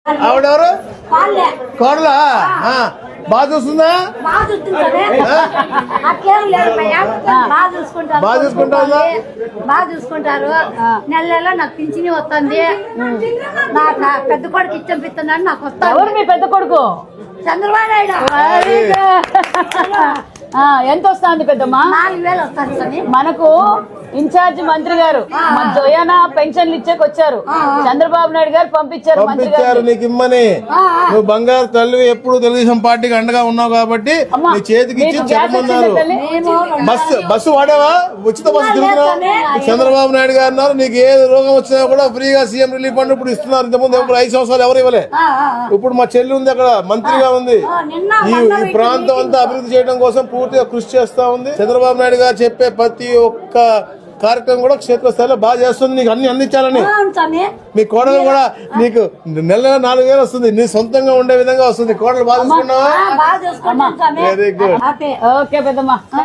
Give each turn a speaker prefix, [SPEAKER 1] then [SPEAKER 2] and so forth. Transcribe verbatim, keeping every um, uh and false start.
[SPEAKER 1] ఆవిడెవరు? కోడలా? బాగా చూస్తుందా?
[SPEAKER 2] బాగా చూసుకుంటారు
[SPEAKER 1] బాగా చూసుకుంటా
[SPEAKER 2] బాగా చూసుకుంటారు నెల నెల నాకు పింఛని వస్తుంది. నాకు పెద్ద కొడుకు ఇచ్చం పిస్తున్నాడు. నాకు వస్తుంది.
[SPEAKER 3] ఎవరు మీ పెద్ద కొడుకు?
[SPEAKER 2] చంద్రబాబు నాయుడు.
[SPEAKER 3] ఎంత వస్తుంది పెద్దమ్మా?
[SPEAKER 2] నాలుగు వేలు వస్తుంది.
[SPEAKER 3] మనకు ఇన్ఛార్జ్ మంత్రి గారు మన జోయాన పెన్షన్లు ఇచ్చేకి వచ్చారు. చంద్రబాబు నాయుడు గారు పంపించారు మంత్రి
[SPEAKER 1] పంపించారు నీకు ఇమ్మని. నువ్వు బంగారు తల్లి ఎప్పుడు తెలుగుదేశం పార్టీకి అండగా ఉన్నావు కాబట్టి నీ చేతికి ఇచ్చి చెప్పమన్నారు. బస్సు బస్సు వాడేవా? ఉచిత బస్సు తిరుగుతున్నావు. చంద్రబాబు నాయుడు గారు అన్నారు నీకు ఏ రోగం వచ్చినా కూడా ఫ్రీగా సీఎం రిలీఫ్ ఫండ్ ఇప్పుడు ఇస్తున్నారు. ఇంతకుముందు ఎప్పుడు ఐదు సంవత్సరాలు ఎవరు ఇవ్వలే. ఇప్పుడు మా చెల్లి ఉంది అక్కడ మంత్రిగా ఉంది. ఈ ఈ ప్రాంతం అంతా అభివృద్ధి చేయడం కోసం పూర్తిగా కృషి చేస్తా ఉంది. చంద్రబాబు నాయుడు గారు చెప్పే ప్రతి ఒక్క కార్యక్రమం కూడా క్షేత్రస్థాయిలో బాగా చేస్తుంది. నీకు అన్ని అందించాలని. మీ కోడలు కూడా నీకు నెల నెల నాలుగు వేలు వస్తుంది. నీ సొంతంగా ఉండే విధంగా వస్తుంది. కోడలు బాగా చూసుకున్నావా?
[SPEAKER 2] బాగా చూసుకుంటాం.
[SPEAKER 1] Very good.
[SPEAKER 3] ఓకే పెద్దమ్మా.